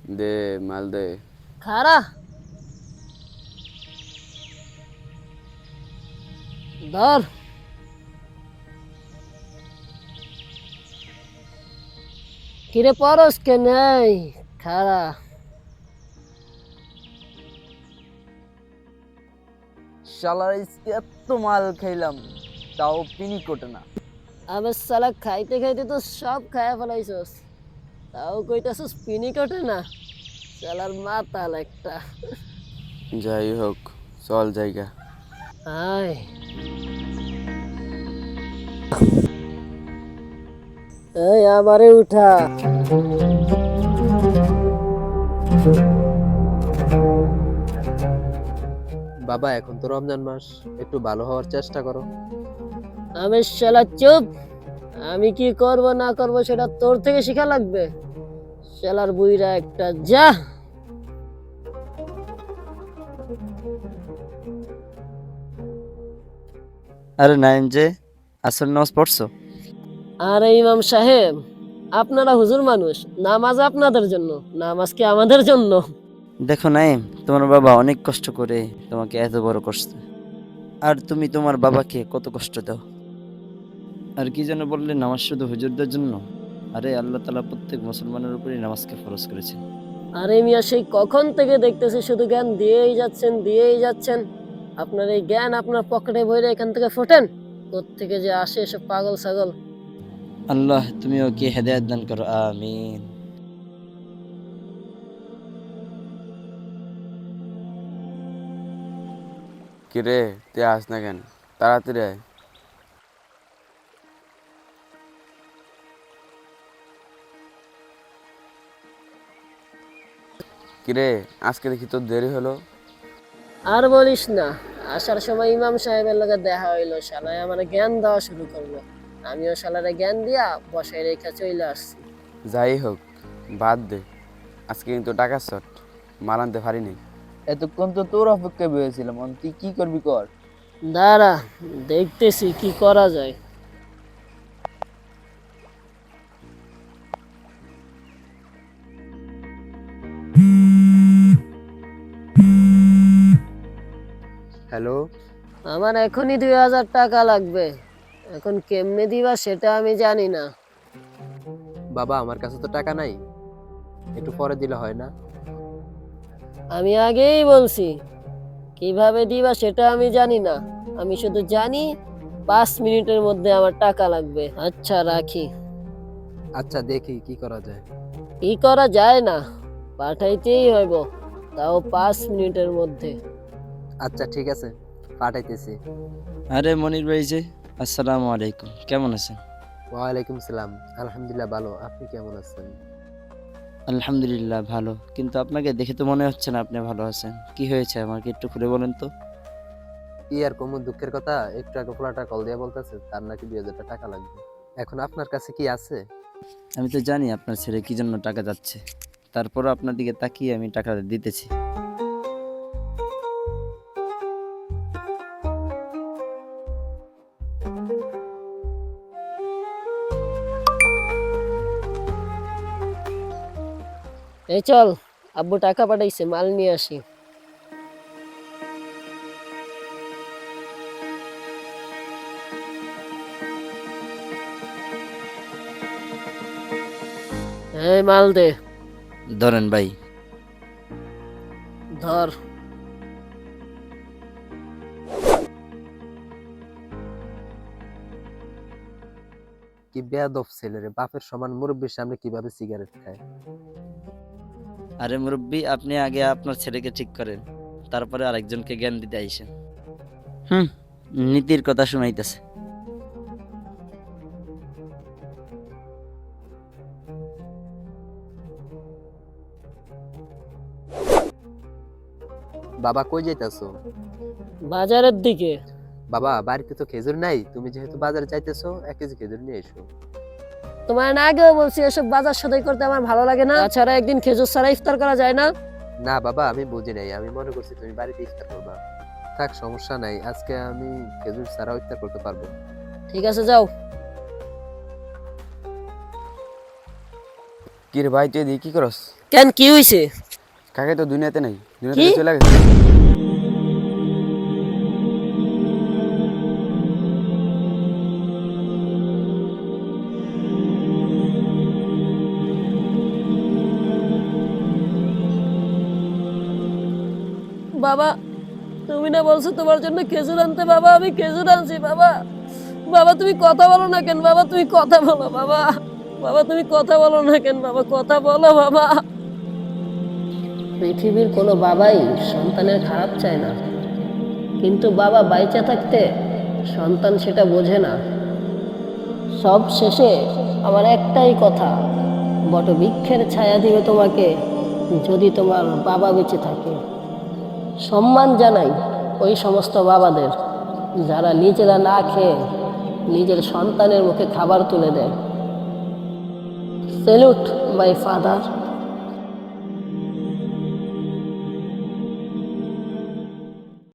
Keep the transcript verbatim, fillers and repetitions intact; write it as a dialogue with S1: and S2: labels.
S1: দে মাল দে।
S2: খারা ধর। কিরে পরস কে নাই খারা।
S3: শালার আজকে এত মাল খাইলাম তাও পিনি কোটে না।
S2: আবে সালা খাইতে খাইতে তো সব খায়া ফেলাইছস, তাও কইতাছস পিনি কটে না। শালার মাতাল একটা।
S1: যাই হোক, চল জায়গা।
S2: আয় এই আমারে উঠা।
S4: বাবা এখন তো রমজান মাস, একটু ভালো হওয়ার চেষ্টা করো।
S2: আমি শালা চুপ। আমি কি করব না করব সেটা তোর থেকে শেখা লাগবে। শালার বুইরা একটা যা।
S3: আরে নাইম যে আসর নামাজ পড়ছো?
S2: আরে ইমাম সাহেব, আপনারা হুজুর মানুষ, নামাজ আপনাদের জন্য, নামাজ কি আমাদের জন্য?
S3: দেখো নাইম, তোমার বাবা অনেক কষ্ট করে তোমাকে এত বড় করছে, আর তুমি তোমার বাবাকে কত কষ্ট দাও। আর কি যেন বললে নামাজ শুধু হুজুরদের জন্য? আরে আল্লাহ তাআলা প্রত্যেক মুসলমানের উপরই নামাজকে ফরজ করেছেন।
S2: আরে মিয়া সেই কখন থেকে দেখতেছি শুধু জ্ঞান দিয়েই যাচ্ছেন দিয়েই যাচ্ছেন। আপনার এই জ্ঞান আপনার পকেটে ভরে এখান থেকে ফোটেন। কোত্থেকে যে আসে এসব পাগল ছাগল।
S3: আল্লাহ তুমি ওকে হেদায়েত দান করো, আমিন।
S1: কিরে তুই আস না কেন? তাড়াতাড়ি আয়। কিরে আজকে দেখি তোর দেরি হলো।
S2: আর বলিস না, আসার সময় ইমাম সাহেবের লগে দেখা হইলো, শালায় আমার জ্ঞান দেওয়া শুরু করলো। আমিও শালারে জ্ঞান দিয়া বসায় রেখা চলে আসছি।
S1: যাই হোক, বাদ দে। আজকে কিন্তু টাকা শর্ট, মাল আনতে পারিনি।
S3: এতক্ষণ তো তোর অপেক্ষায় বসেছিলাম, তুই কি করবি কর।
S2: দাঁড়া, দেখতেছি কি করা যায়।
S4: হ্যালো,
S2: আমার এখনই দুই হাজার টাকা লাগবে। এখন কেমনে দিবা সেটা আমি জানি না।
S4: বাবা আমার কাছে তো টাকা নাই, একটু পরে দিলে হয় না?
S2: আমি আগেই বলছি কিভাবে দিবা সেটা আমি জানি না। আমি শুধু জানি পাঁচ মিনিটের মধ্যে আমার টাকা লাগবে। আচ্ছা রাখি।
S4: আচ্ছা দেখি কি করা যায়।
S2: কি করা যায় না, পাঠাইতেই হইব, তাও পাঁচ মিনিটের মধ্যে।
S4: আচ্ছা ঠিক আছে, পাঠাইতেছি।
S3: আরে মনির ভাই যে, আসসালামু আলাইকুম, কেমন আছেন?
S4: ওয়ালাইকুম সালাম, আলহামদুলিল্লাহ ভালো, আপনি কেমন আছেন?
S3: আলহামদুলিল্লাহ ভালো, কিন্তু আপনাকে দেখে তো মনে হচ্ছে না আপনি ভালো আছেন। কি হয়েছে আমাকে একটু খুলে বলেন তো।
S4: কি আর কমু, দুঃখের কথা, একটু আগে পোলাটা কল দিয়ে বলতেছে তার নাকি দুই হাজার টাকা লাগবে। এখন আপনার কাছে কি আছে?
S3: আমি তো জানি আপনার ছেলে কি জন্য টাকা যাচ্ছে, তারপরও আপনার দিকে তাকিয়ে আমি টাকা দিতেছি।
S2: এই চল, আব্বু টাকা পাঠাইছে, মাল নিয়ে আসি। এই মাল দে।
S3: ধরেন ভাই।
S2: ধর।
S4: কি বেয়াদব ছেলে রে, বাপের সমান মুরব্বীর সামনে কিভাবে সিগারেট খায়।
S3: আরে মুরব্বী, আপনি আগে আপনার ছেলেকে ঠিক করেন, তারপরে আরেকজনকে জ্ঞান দিতে আইসেন। হুম, নীতির কথা শুনাইতেছে।
S4: বাবা কই যাইতাছো?
S2: বাজারের দিকে।
S4: বাবা বাড়িতে তো খেজুর নাই, তুমি যেহেতু বাজারে যাইতেছো এক কেজি খেজুর নিয়ে এসো।
S2: তোমার না আগেও বলছি এসব বাজার সদাই করতে আমার ভালো লাগে না। তাছাড়া একদিন খেজুর ছাড়া ইফতার করা যায় না।
S4: না বাবা আমি বুঝি নাই, আমি মনে করছি তুমি বাড়িতে ইফতার করবা। থাক সমস্যা নাই, আজকে আমি খেজুর ছাড়াও ইফতার করতে পারবো।
S2: ঠিক আছে যাও।
S1: কিরে ভাই তুই এদিকে কি করস?
S2: কেন কি হয়েছে?
S1: কাকে তো দুনিয়াতে নাই, দুনিয়াতে
S2: কি?
S1: চলে গেছে।
S2: বাবা, তুমি না বলছো তোমার জন্য খেজুর আনতে? বাবা, আমি খেজুর আনছি বাবা। বাবা তুমি কথা বলো না কেন? বাবা তুমি কথা বলো বাবা। বাবা তুমি কথা বলো না কেন? বাবা কথা বলো বাবা। পৃথিবীর কোনো বাবাই সন্তানের খারাপ চায় না, কিন্তু বাবা বাইচা থাকতে সন্তান সেটা বোঝে না। সব শেষে আমার একটাই কথা, বটবৃক্ষের ছায়া দিবে তোমাকে যদি তোমার বাবা বেঁচে থাকে। সম্মান জানাই ওই সমস্ত বাবাদের যারা নিজেরা না খেয়ে নিজের সন্তানের মুখে খাবার তুলে দেয়। Salute my father.